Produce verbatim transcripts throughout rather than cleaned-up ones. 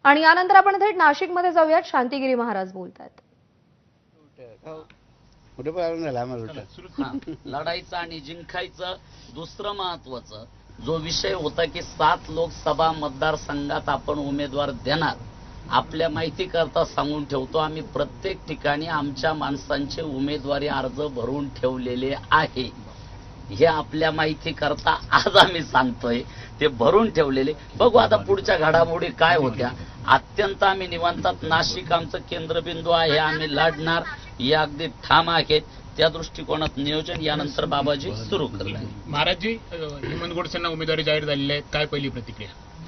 आणि यानंतर आपण थेट नाशिकमध्ये जाऊयात. शांतिगिरी महाराज बोलतात. लढायचं आणि जिंकायचं. दुसरं महत्वाचं जो विषय होता की सात लोकसभा मतदारसंघात आपण उमेदवार देणार, आपल्या माहिती करता सांगून ठेवतो, आम्ही प्रत्येक ठिकाणी आमच्या माणसांचे उमेदवारी अर्ज भरून ठेवलेले आहे. हे आपल्या माहिती करता आज आम्ही सांगतोय, ते भरून ठेवलेले. बघू आता पुढच्या घडामोडी काय होत्या. अत्यंत आम्ही निवांतात. नाशिक आमचं केंद्रबिंदू आहे, आम्ही लढणार या अगदी ठाम आहेत. त्या दृष्टिकोनात नियोजन यानंतर बाबाजी सुरू करणार. महाराजजी, हेमंत गोडसेंना उमेदवारी जाहीर झालेली आहे, काय पहिली प्रतिक्रिया?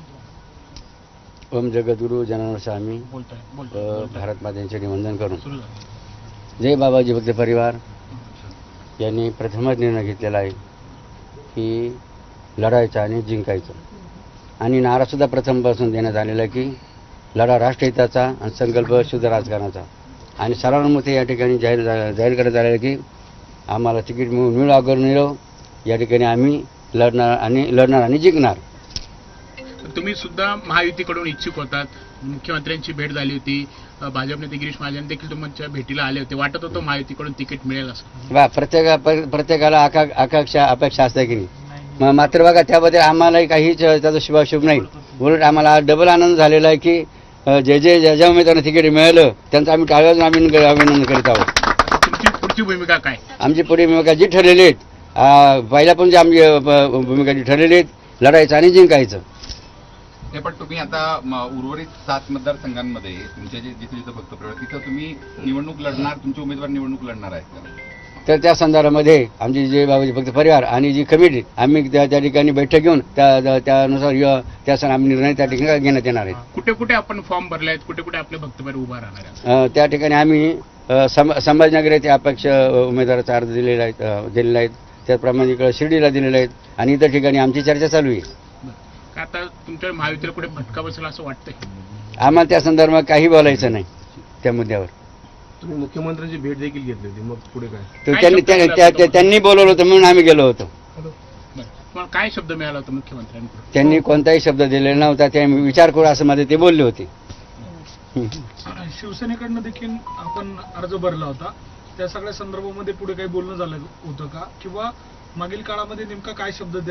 ओम जगद्गुरु जनार्दन स्वामी भारत मातेचे निवंदन करून जय बाबाजी भक्त परिवार यांनी प्रथमच निर्णय घेतलेला आहे की लढायचं आणि जिंकायचं. आणि नारासुद्धा प्रथमपासून देण्यात आलेला आहे की लढा राष्ट्रहिताचा आणि संकल्प शुद्ध राजकारणाचा. आणि सर्वानुमते या ठिकाणी जाहीर जाहीर करण्यात आलेलं की आम्हाला तिकीट मिळून मिळो अगर मिळो, या ठिकाणी आम्ही लढणार आणि लढणार आणि जिंकणार. तुम्ही सुद्धा महायुतीकडून इच्छुक होतात. मुख्यमंत्र्यांची भेट झाली होती, भाजप नेते गिरीश महाजन देखील तुमच्या भेटीला आले होते. वाटत होतं महायुतीकडून तिकीट मिळेल असं? बा प्रत्येका प्रत्येकाला आका आकांक्षा अपेक्षा असते की नाही. मात्र बघा त्याबद्दल आम्हालाही काहीच त्याचा शुभाशुभ नाही. उलट आम्हाला डबल आनंद झालेला आहे की जे जे ज्या ज्या उमेदवारांना तिकीट मिळालं त्यांचं आम्ही टाळ्यावर आम्ही अभिनंदन करीत आहोत. तुमची पुढची भूमिका काय? आमची पुढे भूमिका जी ठरलेली आहेत, पहिल्या पण जी आमची भूमिका जी ठरलेली आहेत, लढायचं आणि जिंकायचं. हे पण तुम्ही आता उर्वरित सात मतदारसंघांमध्ये तुमच्या जे जिथे जिथे भक्त प्रवर्ग तिथं तुम्ही निवडणूक लढणार, तुमचे उमेदवार निवडणूक लढणार आहेत? तर त्या संदर्भामध्ये आमची जे बाबाजी भक्त परिवार आणि जी कमिटी आम्ही त्या त्या ठिकाणी बैठक घेऊन त्या त्यानुसार त्या सण आम्ही निर्णय त्या ठिकाणी घेण्यात येणार आहेत. कुठे कुठे आपण फॉर्म भरले आहेत, कुठे कुठे आपले भक्त परिवार उभा राहणार आहेत? त्या ठिकाणी आम्ही संभाजीनगर येथे अपक्ष उमेदवाराचा अर्ज दिलेला आहे दिलेला आहेत. त्याचप्रमाणे इकडे शिर्डीला दिलेले आहेत आणि इतर ठिकाणी आमची चर्चा चालू आहे. आता तुमच्या महायुतीला कुठे फटका बसेल असं वाटतंय? आम्हाला त्या संदर्भात काही बोलायचं नाही त्या मुद्द्यावर. तुम्ही मुख्यमंत्र्यांची भेट देखील घेतली होती, मग पुढे काय? तर त्यांनी त्यांनी बोलवलं होतं म्हणून आम्ही गेलो होतो. तुम्हाला काय शब्द मिळाला होता मुख्यमंत्र्यांकडून? त्यांनी कोणताही शब्द दिलेला नव्हता. ते विचार करू असं मध्ये ते बोलले होते. शिवसेनेकडनं देखील आपण अर्ज भरला होता, त्या सगळ्या संदर्भामध्ये पुढे काही बोलणं झालं होतं का, किंवा मागील काळामध्ये नेमका काय शब्द